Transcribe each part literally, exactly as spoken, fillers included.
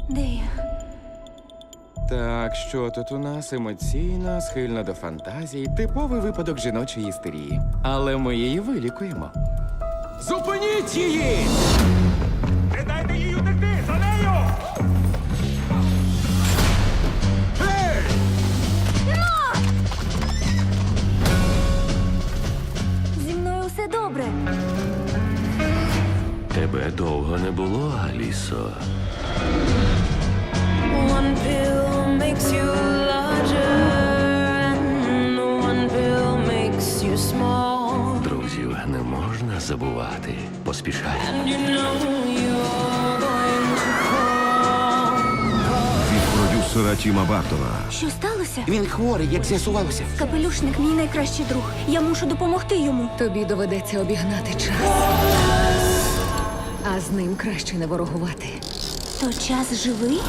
Де я? Так, що тут у нас емоційна, схильна до фантазій, типовий випадок жіночої істерії. Але ми її вилікуємо. Зупиніть її! Не дайте їй утекти! За нею! Гей! Зі мною все добре. Тебе довго не було, Алісо. One pill makes you larger, and one pill makes you small. Друзів не можна забувати. Поспішай. And you know you're going to fall. Від продюсера Тіма Бартона. Що сталося? Він хворий, як з'ясувалося. Капелюшник мій найкращий друг. Я мушу допомогти йому. Тобі доведеться обігнати час. А з ним краще не ворогувати. То час живий?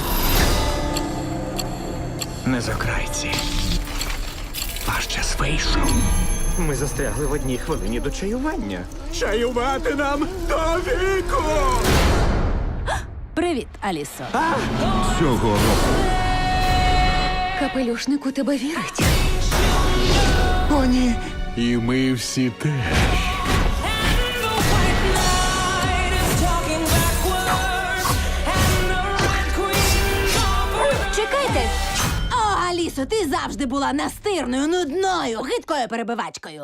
Не закрайці. Ваш час вийшов. Ми застрягли в одній хвилині до чаювання. Чаювати нам до віку! Привіт, Алісо. Цього року Капелюшник у тебе вірить. О, ні. і ми всі теж. And the white knight is talking backwards, and the red queen offers. Чекайте! О, Алісо, ти завжди була настирною, нудною, гидкою перебивачкою.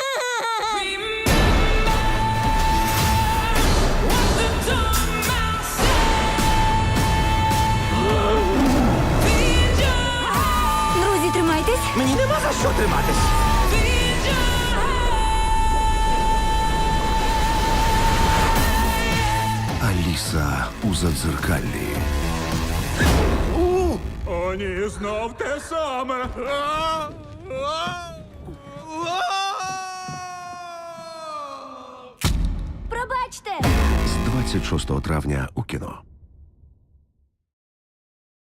What the dumb man said. Feed your heart, Друзі, тримайтесь. Мені нема за що триматись. feed your heart. Аліса у Задзеркаллі. О, ні, знов те саме. А! А! А! Пробачте! З двадцять шостого травня у кіно.